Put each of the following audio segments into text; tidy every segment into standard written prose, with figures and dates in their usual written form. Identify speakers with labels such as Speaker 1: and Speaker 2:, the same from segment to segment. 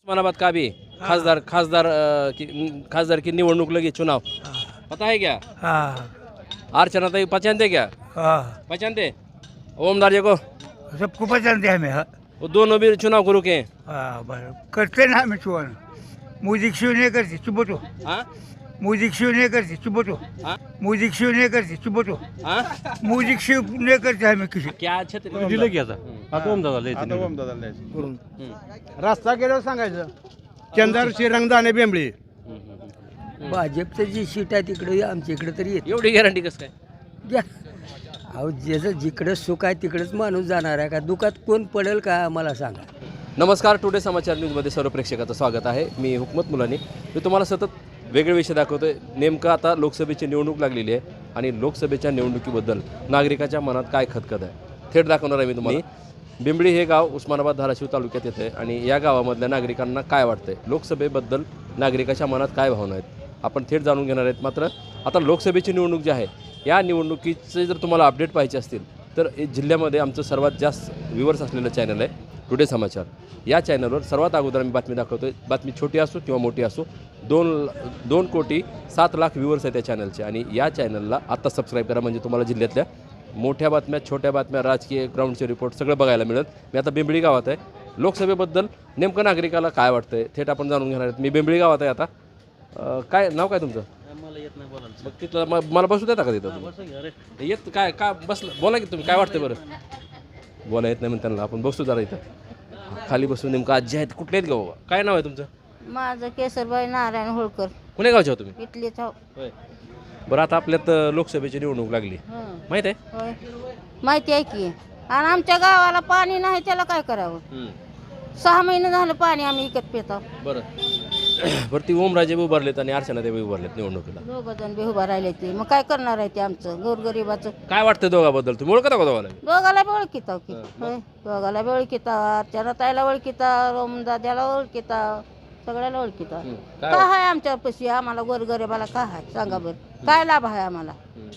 Speaker 1: उस्मानाबाद का भी खासदार की निवडणूक लगी चुनाव पता है क्या? अर्चना ताई पहचानते क्या? पहचानते ओमदार जी को?
Speaker 2: सबको पहचानते हैं हमें।
Speaker 1: वो दोनों भी चुनाव को रुके हैं।
Speaker 2: बरं करते ना हमें चुनाव म्यूजिक शो नहीं करते चुप तो
Speaker 1: हाँ
Speaker 2: म्यूजिक शो नहीं करते चुप तो
Speaker 1: हाँ
Speaker 2: म्यूजिक शो नहीं करते चुप तो
Speaker 1: हाँ
Speaker 2: म्यूजिक शो नहीं करते हमें किसी
Speaker 1: क्या छत्र
Speaker 3: दिलं की आता ओमदादा
Speaker 4: रस्ता गेल्यावर सांगायचं चंदरशी रंगदाने बेंबळी
Speaker 5: भाजपचं जी सीट आहे तिकडे आमच्या इकडे तरी येते
Speaker 1: एवढी गॅरंटी कसं काय?
Speaker 5: घ्या अहो ज्याचं जिकडं सुख आहे तिकडेच माणूस जाणार आहे का दुखात कोण पडेल का आम्हाला सांगा.
Speaker 1: नमस्कार, टुडे समाचार न्यूजमध्ये सर्व प्रेक्षकाचं स्वागत आहे. मी हुकमत मुलानी. मी तुम्हाला सतत वेगळे विषय दाखवतोय. नेमकं आता लोकसभेची निवडणूक लागलेली आहे आणि लोकसभेच्या निवडणुकीबद्दल नागरिकाच्या मनात काय खतखत आहे थेट दाखवणार आहे मी तुम्हाला. बिंबळी हे गाव उस्मानाबाद धाराशिव तालुक्यात येतं आहे आणि या गावामधल्या नागरिकांना काय वाटतंय, लोकसभेबद्दल नागरिकाच्या मनात काय भावना आहेत आपण थेट जाणून घेणार आहेत. मात्र आता लोकसभेची निवडणूक जी आहे या निवडणुकीचे जर तुम्हाला अपडेट पाहिजे असतील तर जिल्ह्यामध्ये आमचं सर्वात जास्त व्ह्यूवर्स असलेलं चॅनल आहे टुडे समाचार. या चॅनलवर सर्वात अगोदर आम्ही बातमी दाखवतोय. बातमी छोटी असो किंवा मोठी असो, 2,700,000 व्ह्यूवर्स आहेत त्या चॅनलचे आणि या चॅनलला आत्ता सबस्क्राईब करा म्हणजे तुम्हाला जिल्ह्यातल्या मोठ्या बातम्या, छोट्या बातम्या, राजकीय ग्राउंडचे रिपोर्ट सगळं बघायला मिळेल. मी आता बिंबळी गावात आहे. लोकसभेबद्दल नेमकं नागरिकाला काय वाटतंय थेट आपण जाणून घेणार आहेत. मी बिंबळी गावात आहे आता. काय नाव काय तुमचं?
Speaker 3: मला येत नाही बोलायला.
Speaker 1: मग तिथं मला बसू देता का तिथं? येत काय का बसलं बोला की तुम्ही काय वाटतं बरं? बोला येत नाही म्हणून त्यांना आपण बसू जरा इथं खाली बसून. नेमकं आजी आहेत कुठले आहेत गाव? काय नाव आहे तुमचं?
Speaker 6: माझं केसरबाई नारायण होळकर
Speaker 1: कुण्या गावचे हो तुम्ही?
Speaker 6: इथलीच हो.
Speaker 1: होय. बरं आता आपल्यात लोकसभेची निवडणूक लागली माहित आहे?
Speaker 6: होय माहिती आहे की. आणि आमच्या गावाला पाणी नाही त्याला काय करावं? 6 महिने झालं पाणी आम्ही इकत पितो.
Speaker 1: बरं बरं ती ओमराजे उभारलेत आणि अर्चना देवी उभारलेत निवडणुकीला.
Speaker 6: 2 जण बी उभा राहिले ते मग काय करणार आहे ते आमचं गोरगरिबाचं?
Speaker 1: काय वाटतं दोघाबद्दल? तुम्ही ओळखता का दोघाला?
Speaker 6: दोघाला बी ओळखीता की. होय दोघाला बी ओळखीता, अर्चना ताईला ओळखीता, रोमदाद्याला ओळखीता, सगळ्याला ओळखीता. काय आहे आमच्या पशी आम्हाला गोरगरिबाला काय आहे सांगा बरं? काय लाभ आहे आम्हाला?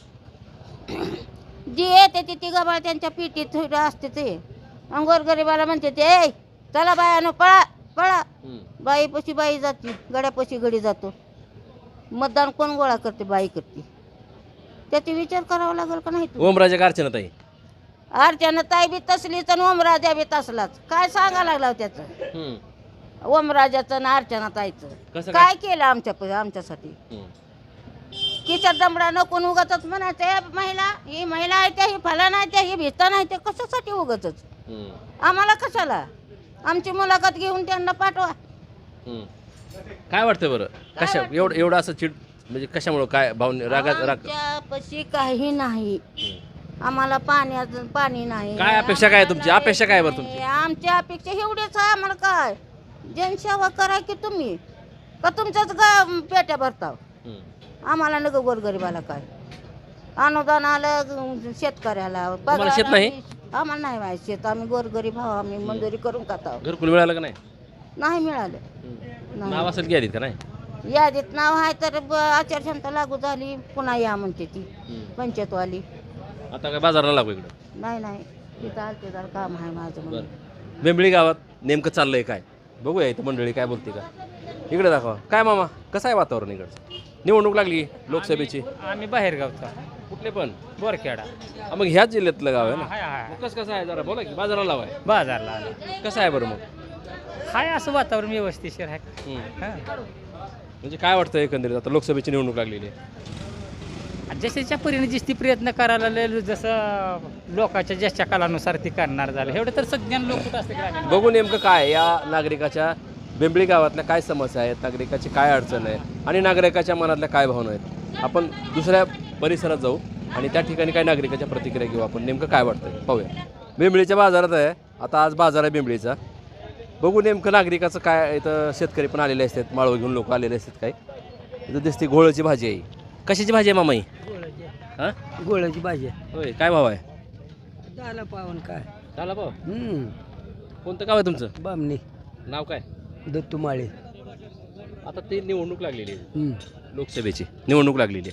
Speaker 6: जी येते ती गबाळ त्यांच्या पिटीत असते ते आणि गोरगरिबाला म्हणते ते ए चला बायानो पळा पळा. बाईपाशी बाई जाते, गड्यापाशी गडी जातो. मतदान कोण गोळा करते? बाई करते. त्याचा विचार करावा लागेल का नाही?
Speaker 1: ओमराजे का अर्चना ताई?
Speaker 6: अर्चना ताई बी तसलीच आणि ओमराजा बी तसलाच. काय सांगा लागला त्याचं ओमराजाचं आणि अर्चना ताईचं? काय केलं आमच्यासाठी? किचा दमडा नको उगाच म्हणायचं ही महिला आहे त्या, ही फला नाही त्या, ही भिता नाही त्या. कशासाठी उगाच? आम्हाला कशाला? आमची मुलाखत घेऊन त्यांना पाठवा.
Speaker 1: काय वाटतं बरं? कशा एवढं असं चिड म्हणजे कशामुळं काय भावने
Speaker 6: आमच्यापाशी काही नाही. आम्हाला पाणी नाही.
Speaker 1: काय अपेक्षा काय तुमची? अपेक्षा काय बरं तुमची?
Speaker 6: आमची अपेक्षा एवढीच आहे. आम्हाला काय जनसेवा करा की तुम्ही का तुमच्याच पेट्या भरताव? आम्हाला नको गोरगरिबाला काय अनुदान आलं शेतकऱ्याला
Speaker 1: तुम्हाला शेत नाही?
Speaker 6: आम्हाला नाही माहिती शेत. आम्ही गोरगरीब आहो. आम्ही मंजुरी करून खाताव.
Speaker 1: घरकुल मिळालं का नाही?
Speaker 6: नाही मिळालं.
Speaker 1: नाव असेल की यादीत का नाही?
Speaker 6: यादीत नाव आहे तर आचारसंहिता लागू झाली पुन्हा या म्हणते ती पंचायतवाली.
Speaker 1: आता काय बाजाराला लागू इकडं?
Speaker 6: नाही तिथं आलते जरा काम आहे माझं म्हणून.
Speaker 1: बेंबळी गावात नेमकं चाललंय काय बघूया इथं मंडळी काय बोलते का. इकडे दाखवा. काय मामा कसं आहे वातावरण इकडचं? निवडणूक लागली लोकसभेची.
Speaker 3: आम्ही बाहेर गावचा
Speaker 1: कुठले पण?
Speaker 3: बोरखेडा.
Speaker 1: मग ह्याच जिल्ह्यातलं गाव आहे ना?
Speaker 3: हाय
Speaker 1: मग कसं आहे जरा बोला की. बाजाराला लावाय
Speaker 3: बाजारला आला.
Speaker 1: कसं आहे बरं मग?
Speaker 3: हाय असं वातावरण व्यवस्थिशीर आहे.
Speaker 1: म्हणजे काय वाटतं एकंदरीत आता लोकसभेची निवडणूक लागलेली आहे?
Speaker 3: जशाच्या परीने जिस्ती प्रयत्न करायला लागले जसं लोकांच्या ज्याच्या कालानुसार ती करणार झालं एवढं तर सज्ञान लोक कुठं असते ग्रामीण.
Speaker 1: बघू नेमकं काय या नागरिकाच्या बेंबळी गावातल्या काय समस्या आहेत, नागरिकाची काय अडचण आहे आणि नागरिकाच्या मनातल्या काय भावना आहेत. आपण दुसऱ्या परिसरात जाऊ आणि त्या ठिकाणी काय नागरिकाच्या प्रतिक्रिया घेऊ. आपण नेमकं काय वाटतं पाहूया. बेंबळीच्या बाजारात आहे आता. आज बाजार आहे बेंबळीचा. बघू नेमकं नागरिकाचं काय. इथं शेतकरी पण आलेले असतात, माळव घेऊन लोक आलेले असतात. काय इथं दिसते घोळची भाजी आहे. कशाची भाजी आहे मामाई? हां
Speaker 5: गोळ्याची भाजी आहे.
Speaker 1: होय. काय भाव आहे?
Speaker 5: झालं पावन काय
Speaker 1: झाला भाव. कोणतं गाव आहे तुमचं?
Speaker 5: बामणी.
Speaker 1: नाव काय?
Speaker 5: दत्तू माळे.
Speaker 1: आता ती निवडणूक लागलेली आहे लोकसभेची निवडणूक लागलेली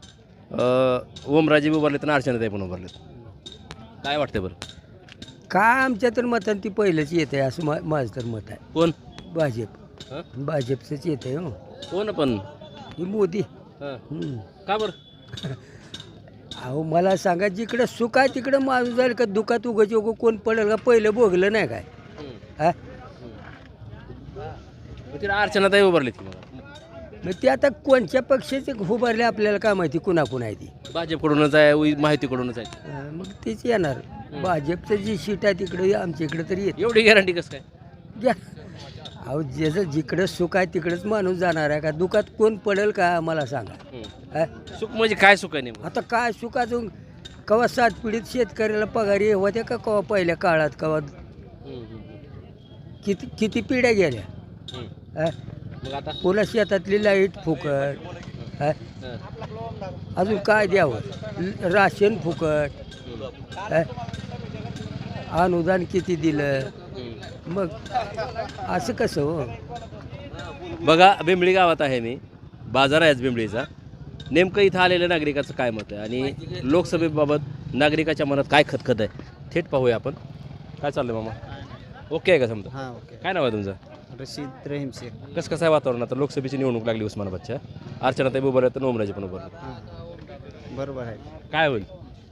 Speaker 1: आहे. ओमराजे उभारलेत आणि अर्चना ताई पण उभारलेत. काय वाटतं बरं?
Speaker 5: काय आमच्या तर मतान ती पहिलंच येत आहे असं माझं तर मत आहे.
Speaker 1: कोण?
Speaker 5: भाजप.
Speaker 1: हं?
Speaker 5: भाजपचंच येत आहे हो
Speaker 1: कोण पण
Speaker 5: ही मोदी
Speaker 1: हं.
Speaker 5: हम्म.
Speaker 1: का बरं
Speaker 5: अहो मला सांगा जिकडं सुख आहे तिकडं माणूस जाईल का दुखात उगाच उगं कोण पडेल का पहिलं भोगलं नाही काय हा
Speaker 1: मग तिला अर्चनाताई उभारली ती मला
Speaker 5: मग ते आता कोणत्या पक्षाचे उभारले आपल्याला काय माहिती कुणाकुण आहे ती
Speaker 1: भाजपकडूनच आहे माहितीकडूनच आहे
Speaker 5: मग तेच येणार भाजपचं जी सीट आहे तिकडं आमच्या इकडं तरी येत
Speaker 1: एवढी गॅरंटी कसं काय
Speaker 5: घ्या अहो ज्याचं जिकडं सुख आहे तिकडंच माणूस जाणार आहे का दुखात कोण पडेल का मला सांगा हा?
Speaker 1: सुख म्हणजे काय सुख आहे नेमकं
Speaker 5: आता काय सुखाचं कवा सात पिढीत शेतकऱ्याला पगारी होत्या का कवा पहिल्या काळात कवा किती किती पिढ्या गेल्या हा?
Speaker 1: मग आता
Speaker 5: पुन्हा शेतातली लाईट फुकट हा? अजून काय द्यावं राशन फुकट हा? अनुदान किती दिलं मग असं कसं हो
Speaker 1: बघा बिंबळी गावात आहे मी बाजार आहे आज बिंबळीचा नेमकं इथं आलेल्या नागरिकाचं काय मत आहे आणि लोकसभेबाबत नागरिकाच्या मनात काय खतखत आहे थेट पाहूया आपण काय चाललंय मामा ओके आहे का समजा
Speaker 7: हां ओके
Speaker 1: काय नाव आहे तुमचं
Speaker 7: रशीद रहीम शेख
Speaker 1: कसं आहे वातावरण आता लोकसभेची निवडणूक लागली उस्मानाबादच्या अर्चनाताई उभारल्या तर ओमराजे पण उभारले
Speaker 7: हां बरोबर आहे
Speaker 1: काय होईल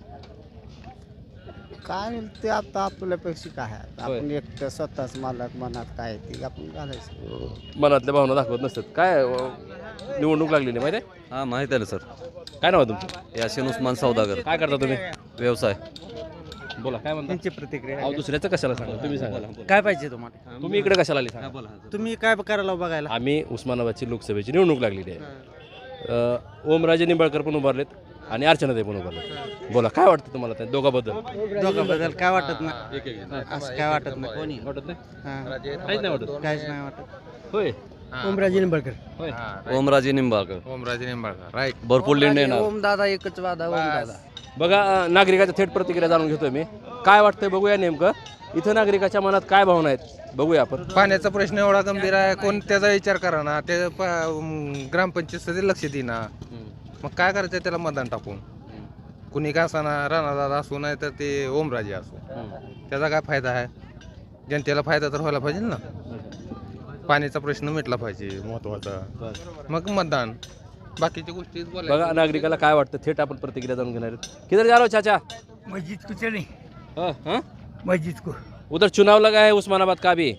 Speaker 7: काय होईल ते आता आपल्यापेक्षा काय आहे
Speaker 1: होय.
Speaker 7: आपण एकटं स्वतःच मालक मनात काय आहे ते आपण घालायचं
Speaker 1: मनातल्या भावना दाखवत नसतात काय निवडणूक लागलेली माहिती आहे
Speaker 8: हां माहीत आहे ना सर
Speaker 1: काय नाव आहे तुमचं
Speaker 8: याशिन उस्मान सौदागर
Speaker 1: काय करता तुम्ही
Speaker 8: व्यवसाय
Speaker 1: बोला काय म्हणता
Speaker 7: त्यांची प्रतिक्रिया
Speaker 1: अहो दुसऱ्याचं कशाला सांगा तुम्ही सांगा
Speaker 7: काय पाहिजे तुम्हाला
Speaker 1: तुम्ही इकडे कशाला आले सांगा
Speaker 7: तुम्ही काय करायला बघायला
Speaker 1: आम्ही उस्मानाबादची लोकसभेची निवडणूक लागलेली आहे ओमराजे निंबाळकर पण उभारलेत आणि अर्चनाताई पण उभारलेत बोला काय वाटतं तुम्हाला त्या दोघाबद्दल
Speaker 7: दोघांबद्दल काय वाटत नाही असं काय वाटत नाही कोणी
Speaker 1: वाटत नाही
Speaker 7: हां
Speaker 1: काहीच नाही वाटत
Speaker 7: काहीच नाही वाटत
Speaker 1: होय
Speaker 5: ओमराजे निंबाळकर
Speaker 1: होय
Speaker 8: ओमराजे निंबाळकर राईट भरपूर लिंड येणार
Speaker 7: ओम दादा एकच वादा ओम दादा
Speaker 1: बघा नागरिकाच्या थेट प्रतिक्रिया जाणून घेतोय मी काय वाटतंय बघूया नेमकं इथं नागरिकाच्या मनात काय भावना आहेत बघूया आपण
Speaker 9: पाण्याचा प्रश्न एवढा गंभीर आहे कोण त्याचा विचार करा ना ते ग्रामपंचायत सध्या लक्ष देईना मग काय करायचं त्याला मतदान टाकून कुणी का असाना राणादादा असू नाही तर ते ओमराजे असू त्याचा काय फायदा आहे जनतेला फायदा तर व्हायला पाहिजे ना पाण्याचा प्रश्न मिटला पाहिजे महत्वाचा मग मतदान बाकीच्या गोष्टी
Speaker 1: बघा नागरिकाला काय वाटतं थेट आपण प्रतिक्रिया जाणून घेणार आहेत किधर जा रहे हो चाचा
Speaker 2: मस्जिद को चले
Speaker 1: हाँ?
Speaker 2: मस्जिद को
Speaker 1: उधर चुनाव लगा है उस्मानाबाद का भी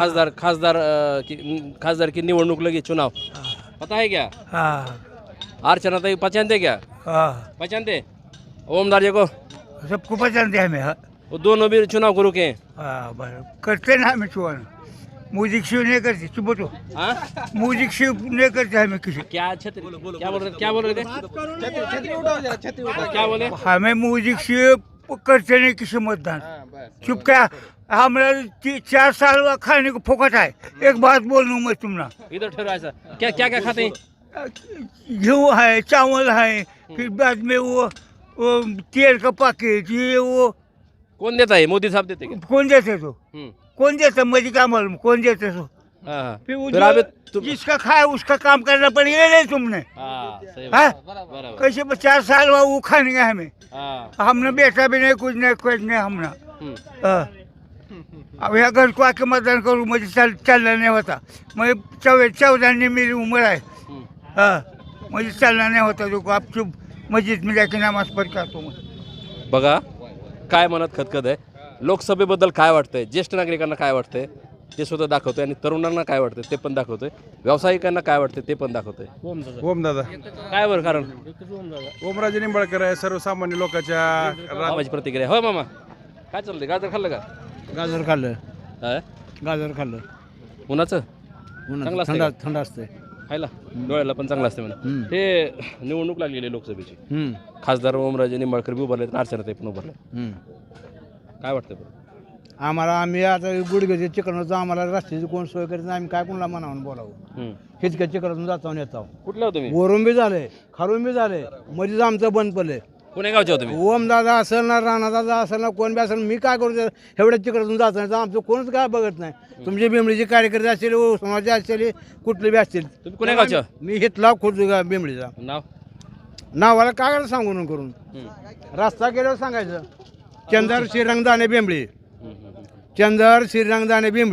Speaker 1: खासदार की निवडणूक लगी चुनाव पता है क्या
Speaker 2: हाँ
Speaker 1: अर्चनाताई पहचानते क्या
Speaker 2: हाँ
Speaker 1: पहचानते ओमदार को
Speaker 2: सबको पसंद है हमें हाँ
Speaker 1: वो दोनों भी चुनाव को रुके हैं
Speaker 2: हाँ, बराबर करते ना हमें चुनाव म्यूजिक शो नहीं करते चुप तो
Speaker 1: हाँ?
Speaker 2: म्यूजिक शो नहीं करते हमें किसी
Speaker 1: क्या छत क्या बोल रहे थे क्या बोले
Speaker 2: हमें म्यूजिक शो करते नहीं किसी मतदान चुप क्या हमारा 4 साल हुआ खाने को फोकट है एक बात बोल लूँ मैं तुमना
Speaker 1: इधर ठहरो ऐसा क्या क्या क्या खाते हैं
Speaker 2: गेहूँ है चावल है फिर बाद में वो तेल का पैकेट ये वो
Speaker 1: कौन देता है मोदी साहब देते क्या
Speaker 2: कौन देते तो
Speaker 1: हम्म,
Speaker 2: कौन देता मुझे क्या मालूम कौन देते तो
Speaker 1: हाँ, हाँ।
Speaker 2: फिर वो
Speaker 1: फिर
Speaker 2: जो
Speaker 1: अभी तुम
Speaker 2: जिसका खाए उसका काम करना पड़ेगा नहीं तुमने
Speaker 1: हाँ, सही
Speaker 2: हाँ?
Speaker 1: बात। बराबर
Speaker 2: कैसे 4 साल हुआ वो खाने का हमें
Speaker 1: हाँ,
Speaker 2: हमने बेटा भी नहीं कुछ नहीं हमने
Speaker 1: हम्म,
Speaker 2: हाँ। अब यहाँ घर को आके मतदान करूँ मुझे चलना नहीं होता मैं 14 मेरी उम्र है
Speaker 1: हम्म।
Speaker 2: हाँ मुझे चलना नहीं होता देखो आप चुप मस्जिद में जाके नमाज पढ़ के आता हूँ मैं
Speaker 1: बघा काय मनात खतखत आहे लोकसभेबद्दल काय वाटतंय ज्येष्ठ नागरिकांना काय वाटतंय ते सुद्धा दाखवतोय आणि तरुणांना काय वाटतंय ते पण दाखवतोय व्यावसायिकांना काय वाटतंय ते पण दाखवतोय
Speaker 4: ओम दादा
Speaker 1: काय बरं कारण
Speaker 4: ओमराजे निंबाळकर आहे सर्वसामान्य लोकांच्या
Speaker 1: माझी प्रतिक्रिया होय मामा काय चाललंय गाजर खाल्लं का
Speaker 4: गाजर खाल्लं
Speaker 1: हा?
Speaker 4: गाजर खाल्लं
Speaker 1: उन्हाचं चांगलं असतंय का?
Speaker 4: थंड असते
Speaker 1: खायला डोळ्याला पण चांगलं असतं म्हणा ते निवडणूक लागलेली आहे लोकसभेची खासदार ओमराजे निंबाळकर बी उभारले अर्चनाताई पण उभारले काय वाटतं बरं
Speaker 4: आम्हाला आम्ही आता गुडघ्याचे चिकनाचं आम्हाला रस्त्याची कोण सोय करत नाही आम्ही काय कोणाला म्हणावून बोलावं हिचक्या चिकनातून जातो आणि येतो
Speaker 1: कुठलं हो तुम्ही
Speaker 4: वरून बी झाले खारून बी झाले मध्येच आमचं बंद पडले
Speaker 1: पुणे गावचे हो तुम्ही
Speaker 4: ओम दादा असेल ना राणा दादा असेल ना कोण बी असेल मी काय करू एवढ्या चिकनातून जातो नाही तर आमचं कोणच काय बघत नाही तुमचे बिंबळीचे कार्यकर्ते असतील समाजाचे असतील कुठले बी असतील
Speaker 1: तुम्ही पुणे गावचे हो?
Speaker 4: मी हितला खुद बिंबळीचा
Speaker 1: नाव
Speaker 4: नावाला काय करायला सांगून करून रस्ता गेल्यावर सांगायचं चंदर श्रीरंगदाने बिंबळी चंदर श्रीरंगदाने बिंबळी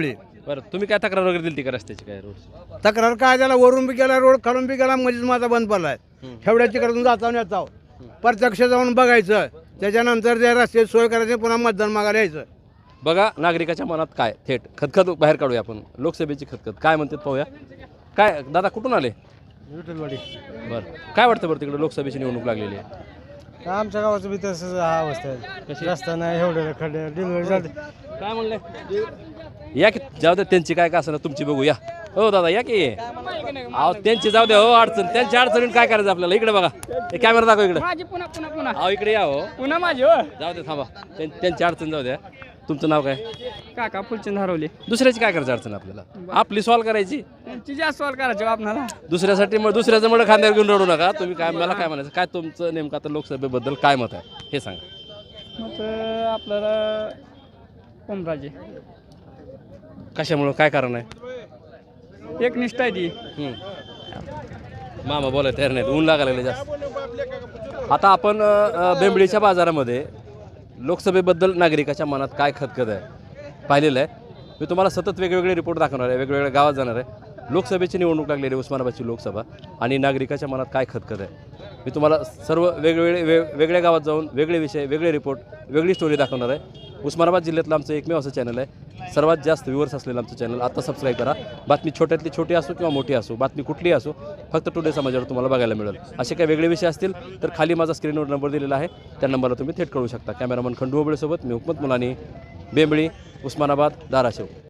Speaker 1: बरं तुम्ही काय तक्रार वगैरे दिली ती का रस्त्याची काय रोड
Speaker 4: तक्रार काय त्याला वरून बी गेला रोड खालून बी गेला मध्येच माझा बंद पडलाय एवढ्या तिकडून जाता येतो प्रत्यक्ष जाऊन बघायचं त्याच्यानंतर त्या रस्त्याची सोय करायची पुन्हा मतदान मागायला यायचं.
Speaker 1: बघा नागरिकाच्या मनात काय थेट खतखत बाहेर काढूया आपण लोकसभेची खतखत काय म्हणतात पाहूया. काय दादा कुठून आले?
Speaker 4: विठ्ठलवाडी.
Speaker 1: बरं काय वाटतं बरं तिकडे लोकसभेची निवडणूक लागलेली आहे?
Speaker 4: आमच्या गावाचं बी तसंच हा अवस्था आहे. रस्ता नाही एवढे खड्डे डिलिव्हरी झाली.
Speaker 1: काय म्हणले या की जाऊ द्या त्यांची काय का असं तुमची बघू या. हो दादा या की अहो त्यांची जाऊ द्या हो अडचण त्यांच्या अडचणीत काय करायचं आपल्याला. इकडे बघा हे कॅमेरा दाखव इकडे.
Speaker 3: माझी पुन्हा पुन्हा पुन्हा
Speaker 1: अहो इकडे या हो
Speaker 3: पुन्हा माझी हो
Speaker 1: जाऊ द्या थांबा त्यांची अडचण जाऊ द्या. तुमचं नाव काय?
Speaker 3: काका फुलचंद हरवले.
Speaker 1: दुसऱ्याची काय करायचं अडचण आपल्याला आपली सॉल्व करायची.
Speaker 3: त्यांची जास्त सवाल करायचे आपणाला.
Speaker 1: दुसऱ्यासाठी मग दुसऱ्याचं मग खांद्यावर घेऊन रडू नका तुम्ही. काय मला काय म्हणायचं काय तुमचं नेमकं आता लोकसभेबद्दल काय मत आहे हे सांगा.
Speaker 3: मग आपल्याला ओमराजे
Speaker 1: कशामुळं काय कारण आहे?
Speaker 3: एक निष्ठा आहे ती.
Speaker 1: मामा बोलायला तयार नाहीत ऊन लागायला लागले जास्त. आता आपण बेंबळीच्या बाजारामध्ये लोकसभेबद्दल नागरिकाच्या मनात काय खतखत आहे पाहिलेलं आहे. मी तुम्हाला सतत वेगवेगळे रिपोर्ट दाखवणार आहे वेगवेगळ्या गावात जाणार आहे. लोकसभेची निवडणूक लागलेली उस्मानाबादची लोकसभा आणि नागरिकाच्या मनात काय खतखत आहे मी तुम्हाला सर्व वेगवेगळ्या गावात जाऊन वेगळे विषय वेगळे रिपोर्ट वेगळी स्टोरी दाखवणार आहे. उस्मानाबाद जिल्ह्यातलं आमचं एकमेव असं चॅनल आहे सर्वात जास्त व्ह्यूअर्स असलेलं आमचं चॅनल. आता सबस्क्राईब करा. बातमी छोट्यातली छोटी असो किंवा मोठी असो बातमी कुठलीही असो फक्त टुडे समाजावर तुम्हाला बघायला मिळेल. असे काही वेगळे विषय असतील तर खाली माझा स्क्रीनवर नंबर दिलेला आहे त्या नंबरला तुम्ही थेट कळू शकता. कॅमेरामन खंडू ओबळेसोबत मी हुकमत मुलानी बेंबळी उस्मानाबाद धाराशिव.